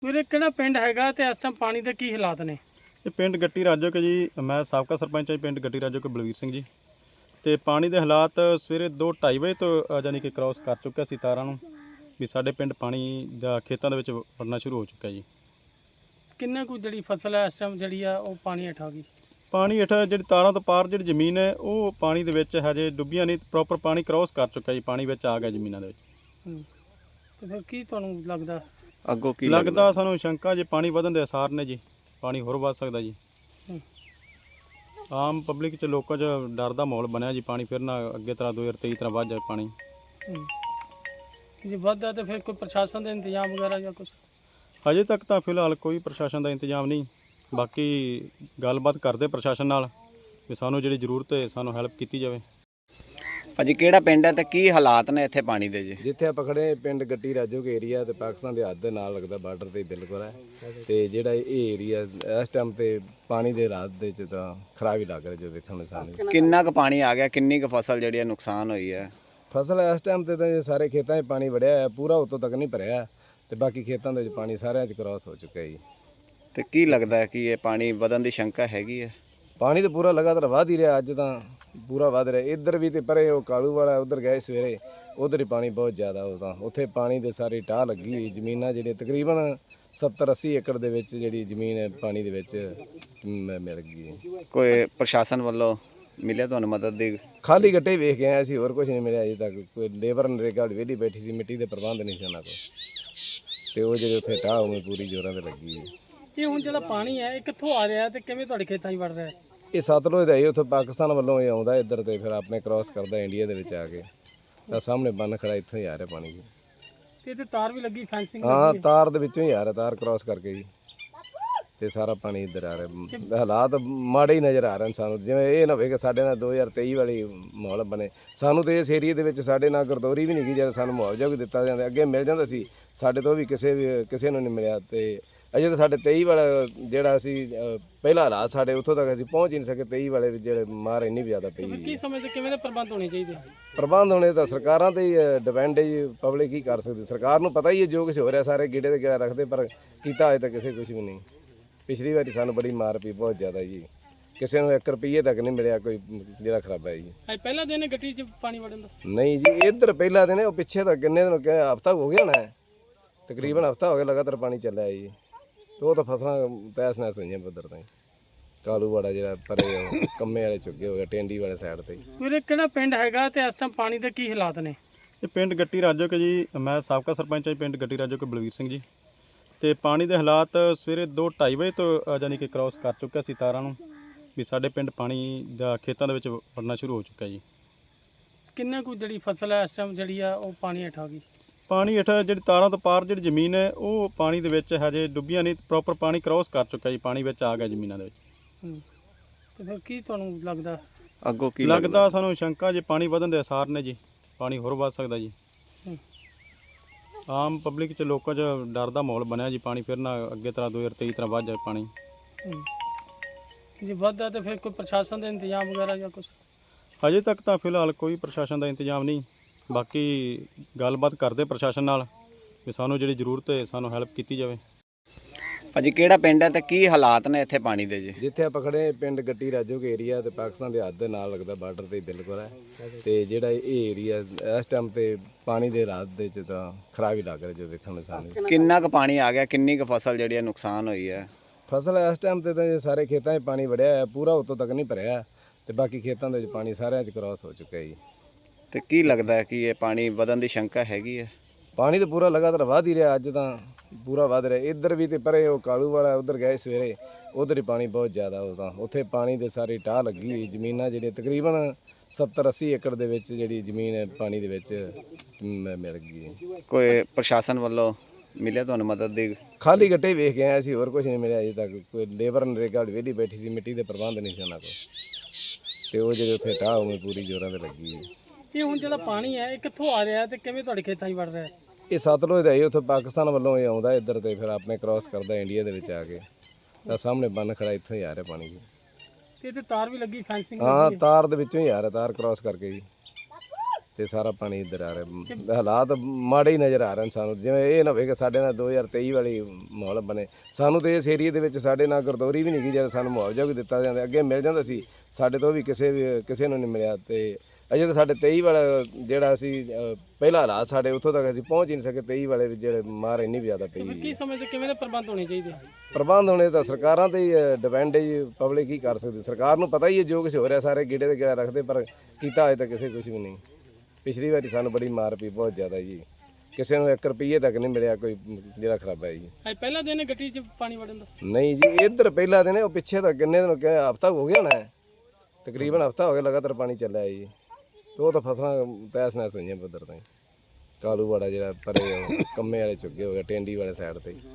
ਵੀਰੇ ਕਿਹੜਾ ਪਿੰਡ ਹੈਗਾ ਤੇ ਇਸ ਟਾਈਮ ਪਾਣੀ ਦੇ ਕੀ ਹਾਲਾਤ ਨੇ? ਇਹ ਪਿੰਡ ਗੱਟੀ ਰਾਜੋਕੇ ਜੀ। ਮੈਂ ਸਾਬਕਾ ਸਰਪੰਚ ਹਾਂ ਜੀ ਪਿੰਡ ਗੱਟੀ ਰਾਜੋਕੇ ਬਲਵੀਰ ਸਿੰਘ ਜੀ। ਤੇ ਪਾਣੀ ਦੇ ਹਾਲਾਤ ਸਵੇਰੇ 2:30 ਵਜੇ ਤੋਂ ਯਾਨੀ ਕਿ ਕ੍ਰਾਸ ਕਰ ਚੁੱਕਿਆ ਸੀ ਤਾਰਾਂ ਨੂੰ, ਵੀ ਸਾਡੇ ਪਿੰਡ ਪਾਣੀ ਜਾਂ ਖੇਤਾਂ ਦੇ ਵਿੱਚ ਵੜਨਾ ਸ਼ੁਰੂ ਹੋ ਚੁੱਕਿਆ ਜੀ। ਕਿੰਨਾ ਕੁ ਜਿਹੜੀ ਫਸਲ ਹੈ ਇਸ ਟਾਈਮ ਜਿਹੜੀ ਆ ਉਹ ਪਾਣੀ ਹੇਠ ਆ ਗਈ? ਪਾਣੀ ਹੇਠ ਜਿਹੜੀ ਤਾਰਾਂ ਤੋਂ ਪਾਰ ਜਿਹੜੀ ਜ਼ਮੀਨ ਹੈ ਉਹ ਪਾਣੀ ਦੇ ਵਿੱਚ ਹਜੇ ਡੁੱਬੀਆਂ ਨਹੀਂ, ਪ੍ਰੋਪਰ ਪਾਣੀ ਕ੍ਰਾਸ ਕਰ ਚੁੱਕਿਆ ਜੀ, ਪਾਣੀ ਵਿੱਚ ਆ ਗਿਆ ਜ਼ਮੀਨਾਂ ਦੇ ਵਿੱਚ। ਤੇ ਫਿਰ ਕੀ ਤੁਹਾਨੂੰ ਲੱਗਦਾ ਅੱਗੋਂ ਕੀ ਲੱਗਦਾ ਸਾਨੂੰ ਸ਼ੰਕਾ ਜੇ ਪਾਣੀ ਵਧਣ ਦੇ ਅਸਾਰ ਨੇ ਜੀ, ਪਾਣੀ ਹੋਰ ਵੱਧ ਸਕਦਾ ਜੀ। ਆਮ ਪਬਲਿਕ 'ਚ ਲੋਕਾਂ 'ਚ ਡਰ ਦਾ ਮਾਹੌਲ ਬਣਿਆ ਜੀ, ਪਾਣੀ ਫਿਰ ਨਾ ਅੱਗੇ ਤਰ੍ਹਾਂ 2023 ਤਰ੍ਹਾਂ ਵੱਧ ਜਾਏ ਪਾਣੀ। ਜੇ ਵੱਧਦਾ ਤੇ ਫਿਰ ਕੋਈ ਪ੍ਰਸ਼ਾਸਨ ਦਾ ਇੰਤਜ਼ਾਮ ਵਗੈਰਾ ਜਾਂ ਕੁਝ? ਅਜੇ ਤੱਕ ਤਾਂ ਫਿਲਹਾਲ ਕੋਈ ਪ੍ਰਸ਼ਾਸਨ ਦਾ ਇੰਤਜ਼ਾਮ ਨਹੀਂ, ਬਾਕੀ ਗੱਲਬਾਤ ਕਰਦੇ ਪ੍ਰਸ਼ਾਸਨ ਨਾਲ ਵੀ ਸਾਨੂੰ ਜਿਹੜੀ ਜ਼ਰੂਰਤ ਹੈ ਸਾਨੂੰ ਹੈਲਪ ਕੀਤੀ ਜਾਵੇ। ਭਾਜੀ ਕਿਹੜਾ ਪਿੰਡ ਹੈ ਤੇ ਕੀ ਹਾਲਾਤ ਨੇ ਇੱਥੇ ਪਾਣੀ ਦੇ ਜੀ? ਜਿੱਥੇ ਆਪਾਂ ਖੜੇ ਪਿੰਡ ਗੱਟੀ ਰਾਜੋਕੇ ਏਰੀਆ ਤੇ ਪਾਕਿਸਤਾਨ ਦੇ ਹੱਦ ਦੇ ਨਾਲ ਲੱਗਦਾ, ਬਾਰਡਰ ਤੇ ਬਿਲਕੁਲ ਹੈ। ਤੇ ਜਿਹੜਾ ਇਹ ਏਰੀਆ ਇਸ ਟਾਈਮ ਤੇ ਪਾਣੀ ਦੇ ਰਾਤ ਦੇ ਚ ਤਾਂ ਖਰਾਬ ਹੀ ਲੱਗ ਰਿਹਾ ਜੋ ਵੇਖਣ ਨੂੰ ਸਾਨੂੰ। ਕਿੰਨਾ ਕੁ ਪਾਣੀ ਆ ਗਿਆ, ਕਿੰਨੀ ਕੁ ਫਸਲ ਜਿਹੜੀ ਹੈ ਨੁਕਸਾਨ ਹੋਈ ਹੈ? ਫਸਲ ਇਸ ਟਾਈਮ ਤੇ ਤਾਂ ਸਾਰੇ ਖੇਤਾਂ 'ਚ ਪਾਣੀ ਵੜਿਆ ਹੈ, ਪੂਰਾ ਉੱਤੋਂ ਤੱਕ ਨਹੀਂ ਭਰਿਆ ਤੇ ਬਾਕੀ ਖੇਤਾਂ ਦੇ ਵਿੱਚ ਪਾਣੀ ਸਾਰਿਆਂ 'ਚ ਕ੍ਰਾਸ ਹੋ ਚੁੱਕਾ ਜੀ। ਤੇ ਕੀ ਲੱਗਦਾ ਹੈ ਕਿ ਇਹ ਪਾਣੀ ਵਧਣ ਦੀ ਸ਼ੰਕਾ ਹੈਗੀ ਹੈ? ਪਾਣੀ ਤਾਂ ਪੂਰਾ ਲਗਾਤਾਰ ਵਧ ਹੀ ਰਿਹਾ, ਅੱਜ ਤਾਂ ਪੂਰਾ ਵਧ ਰਿਹਾ। ਇੱਧਰ ਵੀ ਤੇ ਪਰੇ ਉਹ ਕਾਲੂ ਵਾਲਾ ਉਧਰ ਗਏ ਸਵੇਰੇ, ਉਧਰ ਹੀ ਪਾਣੀ ਬਹੁਤ ਜ਼ਿਆਦਾ, ਉਹ ਤਾਂ ਉੱਥੇ ਪਾਣੀ ਦੇ ਸਾਰੀ ਟਾਹ ਲੱਗੀ ਹੋਈ ਜ਼ਮੀਨਾਂ ਜਿਹੜੀਆਂ ਤਕਰੀਬਨ 70-80 ਏਕੜ ਦੇ ਵਿੱਚ ਜਿਹੜੀ ਜ਼ਮੀਨ ਹੈ ਪਾਣੀ ਦੇ ਵਿੱਚ ਮਿਲ ਗਈ ਹੈ। ਕੋਈ ਪ੍ਰਸ਼ਾਸਨ ਵੱਲੋਂ ਮਿਲਿਆ ਤੁਹਾਨੂੰ ਮਦਦ ਦੀ? ਖਾਲੀ ਗੱਟੇ ਵੇਖ ਕੇ ਆਏ ਸੀ, ਹੋਰ ਕੁਝ ਨਹੀਂ ਮਿਲਿਆ ਅਜੇ ਤੱਕ। ਕੋਈ ਲੇਬਰ ਨਰੇਗਾ ਵਿਹਲੀ ਬੈਠੀ ਸੀ, ਮਿੱਟੀ ਦੇ ਪ੍ਰਬੰਧ ਨਹੀਂ ਸੀ ਉਹਨਾਂ ਕੋਲ, ਤੇ ਉਹ ਜਿਹੜੇ ਉੱਥੇ ਟਾਹ ਉਵੇਂ ਪੂਰੀ ਜ਼ੋਰਾਂ ਤੇ ਲੱਗੀ ਹੈ। ਇਹ ਹੁਣ ਜਿਹੜਾ ਪਾਣੀ ਹੈ ਇਹ ਕਿੱਥੋਂ ਆ ਰਿਹਾ ਤੇ ਕਿਵੇਂ ਤੁਹਾਡੇ ਖੇਤਾਂ 'ਚ ਵੜ ਰਿਹਾ ਹੈ? ਇਹ ਸਤਲੁਜ ਦਾ ਹੀ ਉੱਥੋਂ ਪਾਕਿਸਤਾਨ ਵੱਲੋਂ ਇਹ ਆਉਂਦਾ ਇੱਧਰ ਤੇ ਫਿਰ ਆਪਣੇ ਕ੍ਰਾਸ ਕਰਦਾ ਇੰਡੀਆ ਦੇ ਵਿੱਚ ਆ ਕੇ। ਤਾਂ ਸਾਹਮਣੇ ਬੰਨ ਖੜਾ, ਇੱਥੋਂ ਹੀ ਆ ਰਿਹਾ ਪਾਣੀ ਜੀ। ਤੇ ਇੱਥੇ ਤਾਰ ਵੀ ਲੱਗੀ, ਫੈਂਸਿੰਗ ਹਾਂ, ਲੱਗੀ ਹੈ? ਤਾਰ ਦੇ ਵਿੱਚੋਂ ਹੀ ਆ ਰਿਹਾ, ਤਾਰ ਕ੍ਰਾਸ ਕਰਕੇ ਜੀ, ਤੇ ਸਾਰਾ ਪਾਣੀ ਇੱਧਰ ਆ ਰਿਹਾ। ਹਾਲਾਤ ਮਾੜੇ ਹੀ ਨਜ਼ਰ ਆ ਰਹੇ ਨੇ ਸਾਨੂੰ, ਜਿਵੇਂ ਇਹ ਨਾ ਹੋਵੇ ਕਿ ਸਾਡੇ ਨਾਲ 2023 ਵਾਲੀ ਮਾਹੌਲ ਬਣੇ। ਸਾਨੂੰ ਤੇ ਇਸ ਏਰੀਏ ਦੇ ਵਿੱਚ ਸਾਡੇ ਨਾਲ ਗਰਦੌਰੀ ਵੀ ਨਹੀਂ ਗਈ, ਜਦ ਸਾਨੂੰ ਮੁਆਵਜ਼ਾ ਵੀ ਦਿੱਤਾ ਜਾਂਦਾ, ਅੱਗੇ ਮਿਲ ਜਾਂਦਾ ਸੀ, ਸਾਡੇ ਤੋਂ ਵੀ ਕਿਸੇ ਨੂੰ ਨਹੀਂ ਮਿਲਿਆ। ਤੇ ਅਜੇ ਤਾਂ ਸਾਡੇ 23 ਵਾਲਾ ਜਿਹੜਾ ਅਸੀਂ ਪਹਿਲਾ ਹਾਲਾਤ ਸਾਡੇ ਉੱਥੋਂ ਤੱਕ ਅਸੀਂ ਪਹੁੰਚ ਹੀ ਨਹੀਂ ਸਕੇ। 23 ਵਾਲੇ ਜਿਹੜੇ ਮਾਰ ਇੰਨੀ ਜ਼ਿਆਦਾ ਪਈ। ਕੀ ਸਮਝਦੇ ਕਿਵੇਂ ਦੇ ਪ੍ਰਬੰਧ ਹੋਣੇ ਚਾਹੀਦੇ? ਪ੍ਰਬੰਧ ਹੋਣੇ ਤਾਂ ਸਰਕਾਰਾਂ ਤੇ ਹੀ ਡਿਪੈਂਡ ਹੈ ਜੀ, ਪਬਲਿਕ ਕੀ ਕਰ ਸਕਦੀ। ਸਰਕਾਰ ਨੂੰ ਪਤਾ ਹੀ ਹੈ ਜੋ ਕੁਛ ਹੋ ਰਿਹਾ, ਸਾਰੇ ਗੇੜੇ ਤੇ ਗੇੜਾ ਰੱਖਦੇ, ਪਰ ਕੀਤਾ ਅਜੇ ਤੱਕ ਕਿਸੇ ਕੁਝ ਵੀ ਨਹੀਂ। ਪਿਛਲੀ ਵਾਰੀ ਸਾਨੂੰ ਬੜੀ ਮਾਰ ਪਈ ਬਹੁਤ ਜ਼ਿਆਦਾ ਜੀ, ਕਿਸੇ ਨੂੰ 1 ਰੁਪਈਏ ਤੱਕ ਨਹੀਂ ਮਿਲਿਆ ਕੋਈ, ਜਿਹੜਾ ਖਰਾਬ ਹੈ ਜੀ। ਅੱਜ ਪਹਿਲਾ ਦਿਨ ਹੈ ਗੱਟੀ 'ਚ ਪਾਣੀ ਵੜਨ ਦਾ? ਨਹੀਂ ਜੀ, ਇੱਧਰ ਪਹਿਲਾ ਦਿਨ ਉਹ ਪਿੱਛੇ ਤਾਂ ਕਿੰਨੇ ਦਿਨ ਹਫ਼ਤਾ ਹੋ ਗਿਆ ਹੋਣਾ, ਤਕਰੀਬਨ ਹਫ਼ਤਾ ਹੋ ਗਿਆ ਲਗਾਤਾਰ ਪਾਣੀ ਚੱਲਿਆ ਜੀ। ਤੇ ਉਹ ਤਾਂ ਫਸਲਾਂ ਤੈਸ ਨੈਸ ਹੋਈਆਂ ਉੱਧਰ ਤਾਂ ਕਾਲੂ ਵਾਲਾ ਜਿਹੜਾ ਪਰੇ ਉਹ ਕੰਮੇ ਵਾਲੇ ਚੁੱਗੇ ਹੋ ਗਿਆ, ਟੈਂਡੀ ਵਾਲੇ ਸਾਈਡ ਤੇ। ਵੀਰੇ ਕਿਹੜਾ ਪਿੰਡ ਹੈਗਾ ਤੇ ਇਸ ਟਾਈਮ ਪਾਣੀ ਦੇ ਕੀ ਹਾਲਾਤ ਨੇ? ਇਹ ਪਿੰਡ ਗੱਟੀ ਰਾਜੋਕੇ ਜੀ। ਮੈਂ ਸਾਬਕਾ ਸਰਪੰਚ ਹਾਂ ਜੀ ਪਿੰਡ ਗੱਟੀ ਰਾਜੋਕੇ ਬਲਵੀਰ ਸਿੰਘ ਜੀ। ਤੇ ਪਾਣੀ ਦੇ ਹਾਲਾਤ ਸਵੇਰੇ 2:30 ਵਜੇ ਤੋਂ ਯਾਨੀ ਕਿ ਕ੍ਰਾਸ ਕਰ ਚੁੱਕਿਆ ਸੀ ਤਾਰਾਂ ਨੂੰ, ਵੀ ਸਾਡੇ ਪਿੰਡ ਪਾਣੀ ਜਾਂ ਖੇਤਾਂ ਦੇ ਵਿੱਚ ਵੜਨਾ ਸ਼ੁਰੂ ਹੋ ਚੁੱਕਿਆ ਜੀ। ਕਿੰਨਾ ਕੁ ਜਿਹੜੀ ਫਸਲ ਹੈ ਇਸ ਟਾਈਮ ਜਿਹੜੀ ਆ ਉਹ ਪਾਣੀ ਹੇਠ ਆ ਗਈ? ਪਾਣੀ ਹੇਠ ਜਿਹੜੀ ਤਾਰਾਂ ਤੋਂ ਪਾਰ ਜਿਹੜੀ ਜ਼ਮੀਨ ਹੈ ਉਹ ਪਾਣੀ ਦੇ ਵਿੱਚ ਹਜੇ ਡੁੱਬੀਆਂ ਨਹੀਂ, ਪ੍ਰੋਪਰ ਪਾਣੀ ਕ੍ਰਾਸ ਕਰ ਚੁੱਕਿਆ ਜੀ, ਪਾਣੀ ਵਿੱਚ ਆ ਗਿਆ ਜ਼ਮੀਨਾਂ ਦੇ ਵਿੱਚ। ਤੇ ਫਿਰ ਕੀ ਤੁਹਾਨੂੰ ਲੱਗਦਾ ਅੱਗੋਂ ਕੀ ਲੱਗਦਾ ਸਾਨੂੰ ਸ਼ੰਕਾ ਜੇ ਪਾਣੀ ਵਧਣ ਦੇ ਅਸਾਰ ਨੇ ਜੀ, ਪਾਣੀ ਹੋਰ ਵੱਧ ਸਕਦਾ ਜੀ। ਆਮ ਪਬਲਿਕ 'ਚ ਲੋਕਾਂ 'ਚ ਡਰ ਦਾ ਮਾਹੌਲ ਬਣਿਆ ਜੀ, ਪਾਣੀ ਫਿਰ ਨਾ ਅੱਗੇ ਤਰ੍ਹਾਂ 2023 ਤਰ੍ਹਾਂ ਵੱਧ ਜਾਏ ਪਾਣੀ। ਜੇ ਵੱਧਦਾ ਤੇ ਫਿਰ ਕੋਈ ਪ੍ਰਸ਼ਾਸਨ ਦਾ ਇੰਤਜ਼ਾਮ ਵਗੈਰਾ ਜਾਂ ਕੁਝ? ਅਜੇ ਤੱਕ ਤਾਂ ਫਿਲਹਾਲ ਕੋਈ ਪ੍ਰਸ਼ਾਸਨ ਦਾ ਇੰਤਜ਼ਾਮ ਨਹੀਂ, ਬਾਕੀ ਗੱਲਬਾਤ ਕਰਦੇ ਪ੍ਰਸ਼ਾਸਨ ਨਾਲ ਵੀ ਸਾਨੂੰ ਜਿਹੜੀ ਜ਼ਰੂਰਤ ਹੈ ਸਾਨੂੰ ਹੈਲਪ ਕੀਤੀ ਜਾਵੇ। ਭਾਜੀ ਕਿਹੜਾ ਪਿੰਡ ਹੈ ਤੇ ਕੀ ਹਾਲਾਤ ਨੇ ਇੱਥੇ ਪਾਣੀ ਦੇ ਜੀ? ਜਿੱਥੇ ਆਪਾਂ ਖੜੇ ਪਿੰਡ ਗੱਟੀ ਰਾਜੋਕੇ ਏਰੀਆ ਤੇ ਪਾਕਿਸਤਾਨ ਦੇ ਹੱਦ ਦੇ ਨਾਲ ਲੱਗਦਾ, ਬਾਰਡਰ ਤੇ ਬਿਲਕੁਲ ਹੈ। ਤੇ ਜਿਹੜਾ ਇਹ ਏਰੀਆ ਇਸ ਟਾਈਮ ਤੇ ਪਾਣੀ ਦੇ ਰਾਤ ਦੇ ਚ ਤਾਂ ਖਰਾਬ ਹੀ ਲੱਗ ਰਿਹਾ ਜੋ ਵੇਖਣ ਨੂੰ ਸਾਨੂੰ। ਕਿੰਨਾ ਕੁ ਪਾਣੀ ਆ ਗਿਆ, ਕਿੰਨੀ ਕੁ ਫਸਲ ਜਿਹੜੀ ਹੈ ਨੁਕਸਾਨ ਹੋਈ ਹੈ? ਫਸਲ ਇਸ ਟਾਈਮ ਤੇ ਤਾਂ ਸਾਰੇ ਖੇਤਾਂ 'ਚ ਪਾਣੀ ਵੜਿਆ ਹੈ, ਪੂਰਾ ਉੱਤੋਂ ਤੱਕ ਨਹੀਂ ਭਰਿਆ ਤੇ ਬਾਕੀ ਖੇਤਾਂ ਦੇ ਵਿੱਚ ਪਾਣੀ ਸਾਰਿਆਂ 'ਚ ਕ੍ਰਾਸ ਹੋ ਚੁੱਕਾ ਜੀ। ਤੇ ਕੀ ਲੱਗਦਾ ਹੈ ਕਿ ਇਹ ਪਾਣੀ ਵਧਣ ਦੀ ਸ਼ੰਕਾ ਹੈਗੀ ਹੈ? ਪਾਣੀ ਤਾਂ ਪੂਰਾ ਲਗਾਤਾਰ ਵਧ ਹੀ ਰਿਹਾ, ਅੱਜ ਤਾਂ ਪੂਰਾ ਵਧ ਰਿਹਾ। ਇੱਧਰ ਵੀ ਤੇ ਪਰੇ ਉਹ ਕਾਲੂ ਵਾਲਾ ਉਧਰ ਗਏ ਸਵੇਰੇ, ਉਧਰ ਹੀ ਪਾਣੀ ਬਹੁਤ ਜ਼ਿਆਦਾ, ਉਹ ਤਾਂ ਉੱਥੇ ਪਾਣੀ ਦੇ ਸਾਰੀ ਟਾਹ ਲੱਗੀ ਹੋਈ ਜ਼ਮੀਨਾਂ ਜਿਹੜੀਆਂ ਤਕਰੀਬਨ 70-80 ਏਕੜ ਦੇ ਵਿੱਚ ਜਿਹੜੀ ਜ਼ਮੀਨ ਹੈ ਪਾਣੀ ਦੇ ਵਿੱਚ ਮਿਲ ਗਈ ਹੈ। ਕੋਈ ਪ੍ਰਸ਼ਾਸਨ ਵੱਲੋਂ ਮਿਲਿਆ ਤੁਹਾਨੂੰ ਮਦਦ ਦੀ? ਖਾਲੀ ਗੱਟੇ ਵੇਖ ਕੇ ਆਏ ਸੀ, ਹੋਰ ਕੁਝ ਨਹੀਂ ਮਿਲਿਆ ਅਜੇ ਤੱਕ। ਕੋਈ ਲੇਬਰ ਨਰੇਗਾ ਵਿਹਲੀ ਬੈਠੀ ਸੀ, ਮਿੱਟੀ ਦੇ ਪ੍ਰਬੰਧ ਨਹੀਂ ਸੀ ਉਹਨਾਂ ਕੋਲ, ਤੇ ਉਹ ਜਿਹੜੇ ਉੱਥੇ ਟਾਹ ਉਵੇਂ ਪੂਰੀ ਜ਼ੋਰਾਂ ਤੇ ਲੱਗੀ ਹੈ। ਇਹ ਹੁਣ ਜਿਹੜਾ ਪਾਣੀ ਹੈ ਇਹ ਕਿੱਥੋਂ ਆ ਰਿਹਾ ਤੇ ਕਿਵੇਂ ਤੁਹਾਡੇ ਖੇਤਾਂ 'ਚ ਵੜ ਰਿਹਾ ਹੈ? ਇਹ ਸਤਲੁਜ ਦਾ ਹੀ ਉੱਥੋਂ ਪਾਕਿਸਤਾਨ ਵੱਲੋਂ ਇਹ ਆਉਂਦਾ ਇੱਧਰ ਤੇ ਫਿਰ ਆਪਣੇ ਕ੍ਰਾਸ ਕਰਦਾ ਇੰਡੀਆ ਦੇ ਵਿੱਚ ਆ ਕੇ। ਤਾਂ ਸਾਹਮਣੇ ਬੰਨ ਖੜਾ, ਇੱਥੋਂ ਹੀ ਆ ਰਿਹਾ ਪਾਣੀ ਜੀ। ਤੇ ਇੱਥੇ ਤਾਰ ਵੀ ਲੱਗੀ, ਫੈਂਸਿੰਗ ਹਾਂ, ਲੱਗੀ ਹੈ? ਤਾਰ ਦੇ ਵਿੱਚੋਂ ਹੀ ਆ ਰਿਹਾ, ਤਾਰ ਕ੍ਰਾਸ ਕਰਕੇ ਜੀ, ਤੇ ਸਾਰਾ ਇੱਧਰ ਆ ਰਿਹਾ। ਹਾਲਾਤ ਮਾੜੇ ਹੀ ਨਜ਼ਰ ਆ ਰਹੇ ਨੇ ਸਾਨੂੰ, ਜਿਵੇਂ ਇਹ ਨਾ ਹੋਵੇ ਕਿ ਸਾਡੇ ਨਾਲ 2023 ਵਾਲੀ ਮਾਹੌਲ ਬਣੇ। ਸਾਨੂੰ ਤੇ ਇਸ ਏਰੀਏ ਦੇ ਵਿੱਚ ਸਾਡੇ ਨਾਲ ਗਰਦੌਰੀ ਵੀ ਨਹੀਂ ਗਈ, ਜਦ ਸਾਨੂੰ ਮੁਆਵਜ਼ਾ ਵੀ ਦਿੱਤਾ ਜਾਂਦਾ, ਅੱਗੇ ਮਿਲ ਜਾਂਦਾ ਸੀ, ਸਾਡੇ ਤੋਂ ਵੀ ਕਿਸੇ ਨੂੰ ਨਹੀਂ ਮਿਲਿਆ। ਤੇ ਅਜੇ ਤਾਂ ਸਾਡੇ 23 ਵਾਲਾ ਜਿਹੜਾ ਅਸੀਂ ਪਹਿਲਾ ਹਾਲਾਤ ਸਾਡੇ ਉੱਥੋਂ ਤੱਕ ਅਸੀਂ ਪਹੁੰਚ ਹੀ ਨਹੀਂ ਸਕੇ। 23 ਵਾਲੇ ਵਿੱਚ ਜਿਹੜੇ ਮਾਰ ਇੰਨੀ ਵੀ ਜ਼ਿਆਦਾ ਪਈ। ਕੀ ਸਮਝਦੇ ਕਿਵੇਂ ਦੇ ਪ੍ਰਬੰਧ ਹੋਣੇ ਚਾਹੀਦੇ? ਪ੍ਰਬੰਧ ਹੋਣੇ ਤਾਂ ਸਰਕਾਰਾਂ ਤੇ ਹੀ ਡਿਪੈਂਡ ਹੈ ਜੀ, ਪਬਲਿਕ ਕੀ ਕਰ ਸਕਦੀ। ਸਰਕਾਰ ਨੂੰ ਪਤਾ ਹੀ ਹੈ ਜੋ ਕੁਝ ਹੋ ਰਿਹਾ, ਸਾਰੇ ਗੇੜੇ ਤੇ ਗੇੜਾ ਰੱਖਦੇ, ਪਰ ਕੀਤਾ ਅਜੇ ਤੱਕ ਕਿਸੇ ਕੁਝ ਵੀ ਨਹੀਂ। ਪਿਛਲੀ ਵਾਰੀ ਸਾਨੂੰ ਬੜੀ ਮਾਰ ਪਈ ਬਹੁਤ ਜ਼ਿਆਦਾ ਜੀ, ਕਿਸੇ ਨੂੰ 1 ਰੁਪਈਏ ਤੱਕ ਨਹੀਂ ਮਿਲਿਆ ਕੋਈ ਜਿਹੜਾ ਖਰਾਬ ਹੈ ਜੀ। ਅੱਜ ਪਹਿਲਾ ਦਿਨ ਗੱਡੀ 'ਚ ਪਾਣੀ ਵੜਨ ਦਾ? ਨਹੀਂ ਜੀ, ਇੱਧਰ ਪਹਿਲਾ ਦਿਨ ਉਹ ਪਿੱਛੇ ਤਾਂ ਕਿੰਨੇ ਦਿਨ ਹਫ਼ਤਾ ਹੋ ਗਿਆ ਨਾ, ਤਕਰੀਬਨ ਹਫ਼ਤਾ ਹੋ ਗਿਆ ਲਗਾਤਾਰ ਪਾਣੀ ਚੱਲਿਆ ਜੀ। ਤੇ ਉਹ ਤਾਂ ਫਸਲਾਂ ਤਹਿਸ ਨਹਿਸ ਹੋਈਆਂ ਉੱਧਰ ਤਾਂ ਕਾਲੂਵਾੜਾ ਜਿਹੜਾ ਪਰੇ ਕੰਮੇ ਵਾਲੇ ਚੁੱਗੇ ਹੋ ਗਿਆ, ਟੈਂਡੀ ਵਾਲੇ ਸਾਈਡ ਤੇ।